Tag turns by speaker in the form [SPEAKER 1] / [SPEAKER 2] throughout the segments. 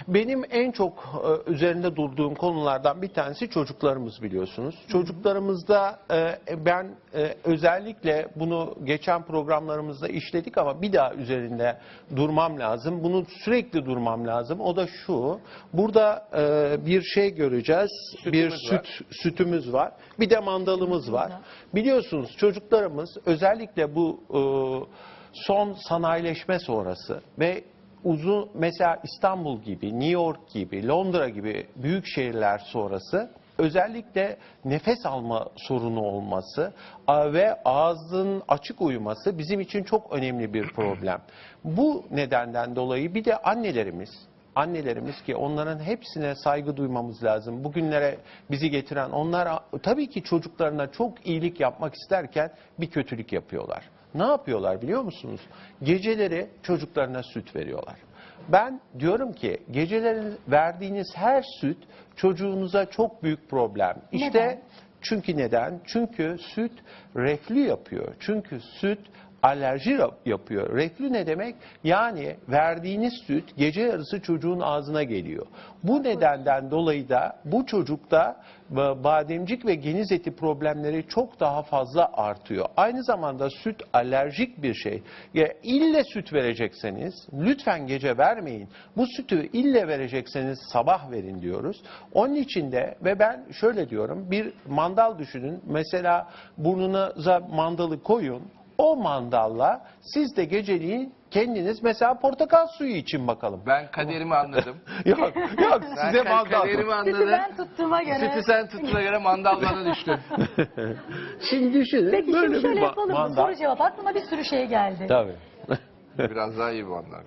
[SPEAKER 1] Benim en çok üzerinde durduğum konulardan bir tanesi çocuklarımız, biliyorsunuz. Çocuklarımızda ben özellikle bunu geçen programlarımızda işledik ama bir daha üzerinde durmam lazım. Bunu sürekli durmam lazım. O da şu: burada bir şey göreceğiz. Sütümüz var. Bir de mandalımız var. Biliyorsunuz çocuklarımız özellikle bu son sanayileşme sonrası ve uzun, mesela İstanbul gibi, New York gibi, Londra gibi büyük şehirler sonrası özellikle nefes alma sorunu olması ve ağzın açık uyuması bizim için çok önemli bir problem. Bu nedenden dolayı bir de annelerimiz ki onların hepsine saygı duymamız lazım. Bugünlere bizi getiren onlar tabii ki çocuklarına çok iyilik yapmak isterken bir kötülük yapıyorlar. Ne yapıyorlar biliyor musunuz? Geceleri çocuklarına süt veriyorlar. Ben diyorum ki geceleri verdiğiniz her süt çocuğunuza çok büyük problem. İşte
[SPEAKER 2] Neden?
[SPEAKER 1] çünkü neden? Çünkü süt reflü yapıyor. Çünkü süt alerji yapıyor. Reflü ne demek? Yani verdiğiniz süt gece yarısı çocuğun ağzına geliyor. Bu nedenden dolayı da bu çocukta bademcik ve geniz eti problemleri çok daha fazla artıyor. Aynı zamanda süt alerjik bir şey. Ya ille süt verecekseniz lütfen gece vermeyin. Bu sütü ille verecekseniz sabah verin diyoruz. Onun için de ve ben şöyle diyorum, bir mandal düşünün. Mesela burnunuza mandalı koyun. O mandalla siz de geceliğin kendiniz mesela portakal suyu için bakalım.
[SPEAKER 3] Ben kaderimi anladım.
[SPEAKER 1] Yok
[SPEAKER 3] Ben
[SPEAKER 1] size mandal.
[SPEAKER 3] kaderimi
[SPEAKER 2] Sütü
[SPEAKER 3] anladım.
[SPEAKER 2] ben tuttuğuma göre.
[SPEAKER 3] Sütü sen tuttuğuna göre mandal bana düştü.
[SPEAKER 1] Şimdi düşünün.
[SPEAKER 2] Peki
[SPEAKER 1] böyle
[SPEAKER 2] şimdi şöyle
[SPEAKER 1] bir
[SPEAKER 2] yapalım mı?
[SPEAKER 1] mandal.
[SPEAKER 2] Soru cevap. Aklıma bir sürü şey geldi.
[SPEAKER 1] Tabii.
[SPEAKER 3] Biraz daha iyi bir mandal.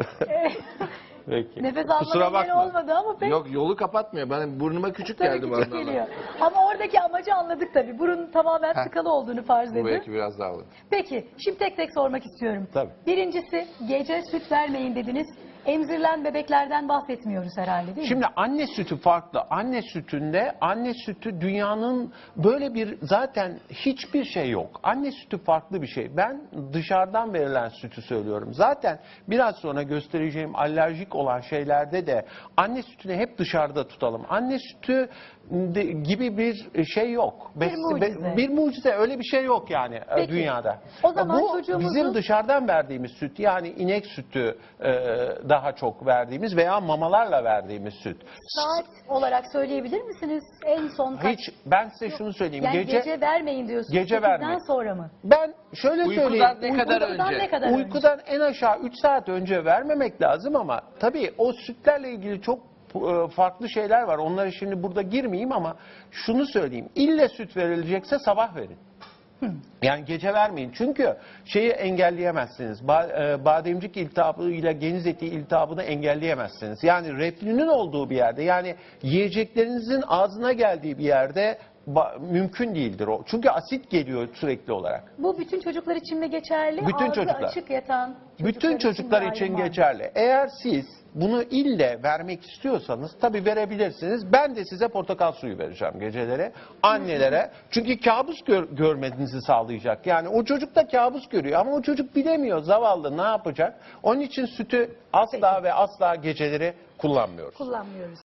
[SPEAKER 1] Peki.
[SPEAKER 2] Nefes
[SPEAKER 1] Kusura
[SPEAKER 2] alma engeli
[SPEAKER 1] bakma.
[SPEAKER 2] olmadı ama pek
[SPEAKER 3] Yok, yolu kapatmıyor. Ben burnuma küçük
[SPEAKER 2] tabii
[SPEAKER 3] geldi
[SPEAKER 2] küçük
[SPEAKER 3] mandal.
[SPEAKER 2] geliyor. Ama oradaki amacı anladık tabii. Burun tamamen tıkalı olduğunu farz
[SPEAKER 3] Bu
[SPEAKER 2] edin.
[SPEAKER 3] belki biraz daha olur.
[SPEAKER 2] Peki şimdi tek tek sormak istiyorum.
[SPEAKER 1] Tabii.
[SPEAKER 2] Birincisi, gece süt vermeyin dediniz. Emzirilen bebeklerden bahsetmiyoruz herhalde, değil mi?
[SPEAKER 1] Şimdi anne sütü farklı. Anne sütü dünyanın böyle bir zaten hiçbir şey yok. Anne sütü farklı bir şey. Ben dışarıdan verilen sütü söylüyorum. Zaten biraz sonra göstereceğim alerjik olan şeylerde de anne sütünü hep dışarıda tutalım. Anne sütü gibi bir şey yok.
[SPEAKER 2] Bir mucize.
[SPEAKER 1] Bir mucize, öyle bir şey yok yani
[SPEAKER 2] Peki.
[SPEAKER 1] dünyada.
[SPEAKER 2] O zaman
[SPEAKER 1] Bu
[SPEAKER 2] çocuğumuzun-
[SPEAKER 1] bizim dışarıdan verdiğimiz süt, yani inek sütü daha çok verdiğimiz veya mamalarla verdiğimiz süt.
[SPEAKER 2] Saat olarak söyleyebilir misiniz? En son kaç?
[SPEAKER 1] Hiç, ben size şunu söyleyeyim.
[SPEAKER 2] Yani gece vermeyin diyorsunuz.
[SPEAKER 1] Gece
[SPEAKER 2] 8'den
[SPEAKER 1] vermeyin.
[SPEAKER 2] sonra mı?
[SPEAKER 1] Ben şöyle
[SPEAKER 3] Uykudan
[SPEAKER 1] söyleyeyim.
[SPEAKER 3] ne kadar
[SPEAKER 2] Uykudan
[SPEAKER 3] önce?
[SPEAKER 2] ne kadar önce?
[SPEAKER 1] Uykudan en aşağı 3 saat önce vermemek lazım ama tabii o sütlerle ilgili çok farklı şeyler var. Onlara şimdi burada girmeyeyim ama şunu söyleyeyim. İlle süt verilecekse sabah verin. Yani gece vermeyin. Çünkü şeyi engelleyemezsiniz. Bademcik iltihabı ile geniz eti iltihabını engelleyemezsiniz. Yani reflünün olduğu bir yerde, yani yiyeceklerinizin ağzına geldiği bir yerde mümkün değildir o. Çünkü asit geliyor sürekli olarak.
[SPEAKER 2] Bu bütün çocuklar için mi geçerli?
[SPEAKER 1] Bütün
[SPEAKER 2] Ağzı
[SPEAKER 1] çocuklar.
[SPEAKER 2] açık yatan
[SPEAKER 1] Bütün çocuklar
[SPEAKER 2] de
[SPEAKER 1] için
[SPEAKER 2] ayrım var mı?
[SPEAKER 1] geçerli. Eğer siz bunu ille vermek istiyorsanız tabii verebilirsiniz. Ben de size portakal suyu vereceğim geceleri annelere. Çünkü kabus görmenizi sağlayacak. Yani o çocuk da kabus görüyor ama o çocuk bilemiyor, zavallı, ne yapacak? Onun için sütü asla ve asla geceleri kullanmıyoruz.
[SPEAKER 2] Kullanmıyoruz.